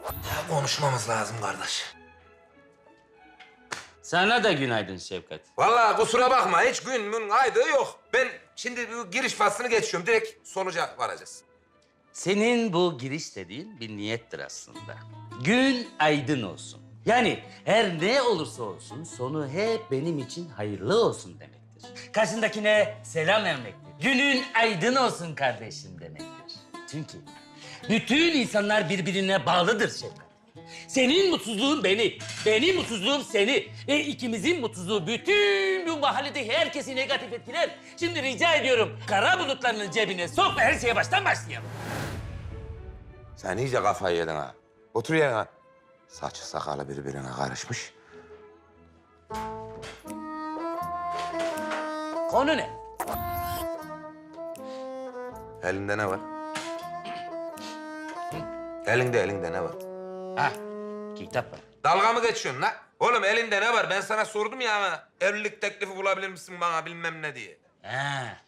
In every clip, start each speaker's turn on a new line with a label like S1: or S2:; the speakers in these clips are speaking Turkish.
S1: Konuşmamız lazım kardeş.
S2: Sana da günaydın Şevkat.
S1: Vallahi kusura bakma hiç gün aydığı yok. Ben şimdi bu giriş faslını geçiyorum. Direkt sonuca varacağız.
S2: Senin bu giriş dediğin bir niyettir aslında. Gün aydın olsun. Yani her ne olursa olsun sonu hep benim için hayırlı olsun demektir. Karşındakine selam vermektir. Günün aydın olsun kardeşim demektir. Çünkü bütün insanlar birbirine bağlıdır Şevkat. Senin mutsuzluğun beni, benim mutsuzluğum seni ve ikimizin mutsuzluğu bütün bu mahallede herkesi negatif etkiler. Şimdi rica ediyorum kara bulutlarının cebine sok ve her şeye baştan başlayalım.
S1: Sen iyice kafayı yedin ha. Otur yerine. Saçı sakalı birbirine karışmış.
S2: Konu ne?
S1: Elinde ne var? Elinde ne var?
S2: Ha, kitap var.
S1: Dalga mı geçiyorsun lan? Oğlum elinde ne var? Ben sana sordum ya ama evlilik teklifi bulabilir misin bana bilmem ne diye.
S2: Ha.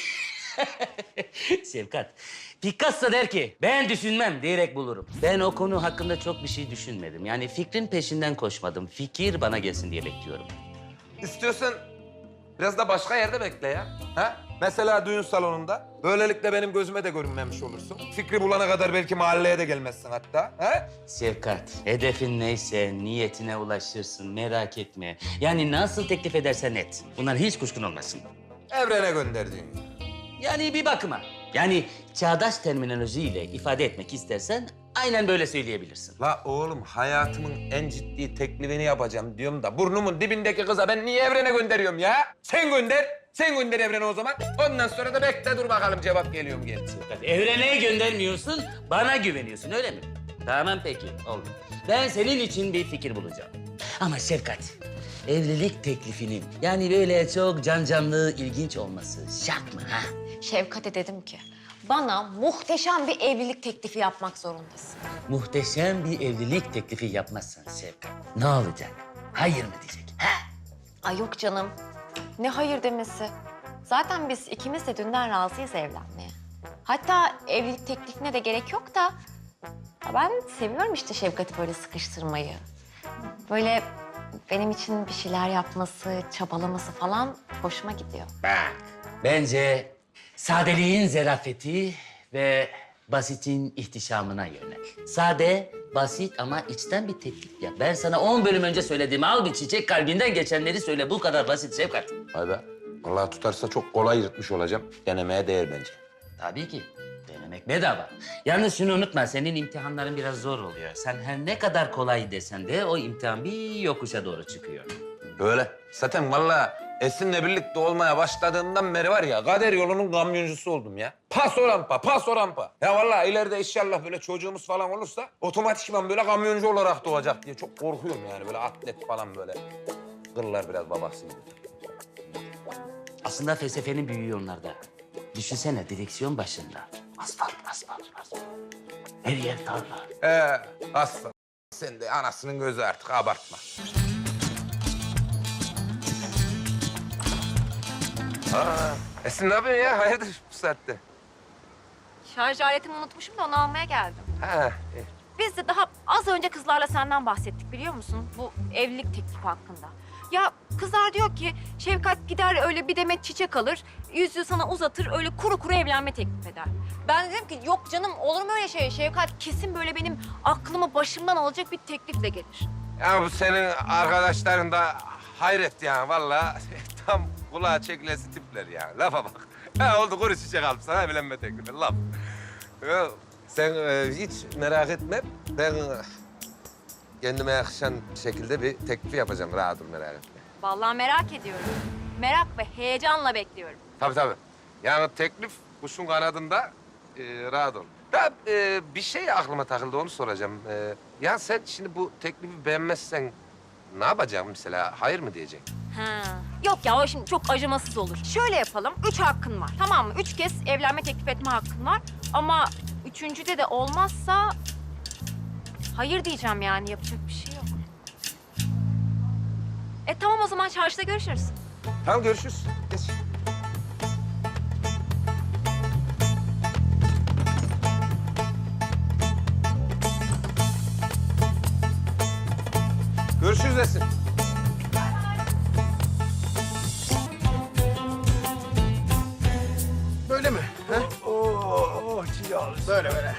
S2: Şevkat, Picasso der ki ben düşünmem diyerek bulurum. Ben o konu hakkında çok bir şey düşünmedim. Yani fikrin peşinden koşmadım. Fikir bana gelsin diye bekliyorum.
S1: İstiyorsan biraz da başka yerde bekle ya. Ha? Mesela düğün salonunda. Böylelikle benim gözüme de görünmemiş olursun. Fikri bulana kadar belki mahalleye de gelmezsin hatta. Ha?
S2: Şevkat, hedefin neyse niyetine ulaşırsın merak etme. Yani nasıl teklif edersen et. Bunlar hiç kuşkun olmasın.
S1: Evrene gönderdiğin.
S2: Yani bir bakıma. Yani çağdaş terminolojiyle ifade etmek istersen aynen böyle söyleyebilirsin.
S1: La oğlum hayatımın en ciddi teklifini yapacağım diyorum da burnumun dibindeki kıza ben niye evrene gönderiyorum ya? Sen gönder. Sen gönder evrene o zaman. Ondan sonra da bekle dur bakalım cevap geliyor mu gelmiyor.
S2: Şevkat, evrene göndermiyorsun, bana güveniyorsun öyle mi? Tamam peki, oldu. Ben senin için bir fikir bulacağım. Ama Şevkat, evlilik teklifinin yani böyle çok canlı, ilginç olması şart mı ha?
S3: Şevkat'e dedim ki bana muhteşem bir evlilik teklifi yapmak zorundasın.
S2: Muhteşem bir evlilik teklifi yapmazsan Şevkat, ne olacak? Hayır mı diyecek? Ha?
S3: Ay yok canım. Ne hayır demesi. Zaten biz ikimiz de dünden razıyız evlenmeye. Hatta evlilik teklifine de gerek yok da... ya ben seviyorum işte Şevkat'i böyle sıkıştırmayı. Böyle benim için bir şeyler yapması, çabalaması falan hoşuma gidiyor.
S2: Bak, bence sadeliğin zerafeti ve basitin ihtişamına yönel. Sade, basit ama içten bir teklif yap. Ben sana 10 bölüm önce söylediğim al bir çiçek kalbinden geçenleri söyle. Bu kadar basit Şevkat.
S1: Vay be. Vallahi tutarsa çok kolay yırtmış olacağım. Denemeye değer bence.
S2: Tabii ki. Denemek bedava. Yalnız şunu unutma, senin imtihanların biraz zor oluyor. Sen her ne kadar kolay desen de o imtihan bir yokuşa doğru çıkıyor.
S1: Öyle. Zaten vallahi Esin'le birlikte olmaya başladığımdan beri var ya kader yolunun kamyoncusu oldum ya. Paso rampa, paso rampa. Ya vallahi ileride inşallah böyle çocuğumuz falan olursa otomatikman böyle kamyoncu olarak doğacak diye çok korkuyorum yani. Böyle atlet falan böyle. Kırlar biraz babası gibi.
S2: Aslında felsefenin büyüğü onlarda. Düşünsene direksiyon başında. Asfalt, asfalt, asfalt. Her yer tarla.
S1: Aslan. Sen de anasının gözü artık abartma. Esin ne yapıyorsun ya? Hayırdır bu saatte?
S3: Şarj aletimi unutmuşum da onu almaya geldim.
S1: Ha,
S3: Biz de daha az önce kızlarla senden bahsettik biliyor musun? Bu evlilik teklifi hakkında. Ya kızlar diyor ki Şevkat gider öyle bir demet çiçek alır, yüzüğü sana uzatır, öyle kuru kuru evlenme teklif eder. Ben dedim ki yok canım olur mu öyle şey? Şevkat kesin böyle benim aklımı başımdan alacak bir teklifle gelir.
S1: Ya bu senin arkadaşların da hayret ya vallahi tam kulağa çekilesi tipler ya. Lafa bak. Ha oldu kuru çiçek alıp sana evlenme teklifi laf. Ya, sen hiç merak etme. Ben kendime yakışan şekilde bir teklif yapacağım. Rahat ol merak etme.
S3: Vallahi merak ediyorum. Merak ve heyecanla bekliyorum.
S1: Tabii. Yani teklif kuşun kanadında rahat ol. Ya bir şey aklıma takıldı onu soracağım. Ya sen şimdi bu teklifi beğenmezsen ne yapacaksın mesela? Hayır mı diyeceksin?
S3: Ha. Yok ya o şimdi çok acımasız olur. Şöyle yapalım. 3 hakkın var. Tamam mı? 3 kez evlenme teklif etme hakkın var. Ama üçüncüde de olmazsa hayır diyeceğim yani. Yapacak bir şey yok. Tamam o zaman çarşıda görüşürüz.
S1: Tamam görüşürüz. Geç. neredesin?
S4: Böyle mi? He? Oo, böyle böyle.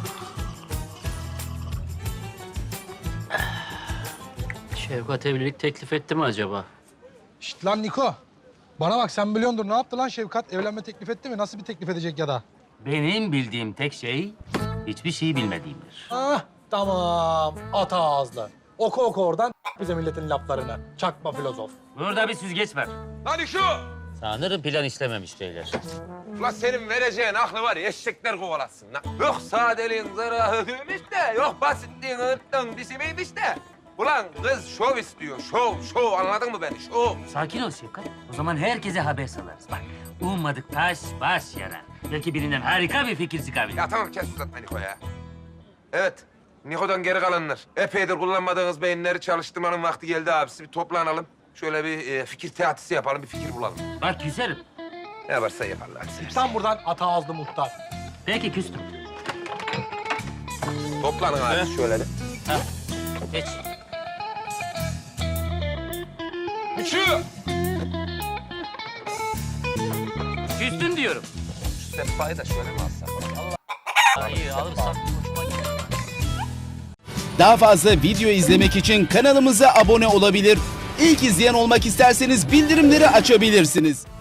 S5: Şevkat evlilik teklif etti mi acaba?
S4: Şşt lan Niko. Bana bak sen biliyordur ne yaptı lan Şevkat? Evlenme teklif etti mi? Nasıl bir teklif edecek ya da?
S2: Benim bildiğim tek şey hiçbir şey bilmediğimdir.
S4: Ah tamam. Ata ağızlı. Oku oradan bize milletin laflarını. Çakma filozof.
S2: Burada bir süzgeç var.
S1: Lan şu!
S2: Sanırım plan işlememiş beyler.
S1: Ulan senin vereceğin aklı var ya eşekler kovalatsın lan. Yok sadeliğin zırahıymış de, yok basitliğin ırttın dişimiymiş de. Ulan kız şov istiyor, şov. Anladın mı beni? Şov.
S2: Sakin ol Şevkat. O zaman herkese haber salarız. Bak, ummadık taş baş yarar. Belki birinden harika bir fikir çıkabilir.
S1: Ya tamam kes uzatma Niko ya. Evet, Niko'dan geri kalanlar. Epeydir kullanmadığınız beyinleri çalıştırmanın vakti geldi abisi. Bir toplanalım. Şöyle bir fikir teatisi yapalım, bir fikir bulalım.
S2: Bak küserim.
S1: Ne varsa yaparlar. hadi seversen.
S4: Sen buradan ata ağızlı muhtar.
S2: Peki küstüm.
S1: Toplanın abi şöyle de.
S2: Geç.
S1: Üçü!
S2: Küstüm diyorum.
S1: Şu sehpayı da şöyle mi alsam?
S2: Hayır alırsan hoşuma gider.
S6: Daha fazla video izlemek için kanalımıza abone olabilir. İlk izleyen olmak isterseniz bildirimleri açabilirsiniz.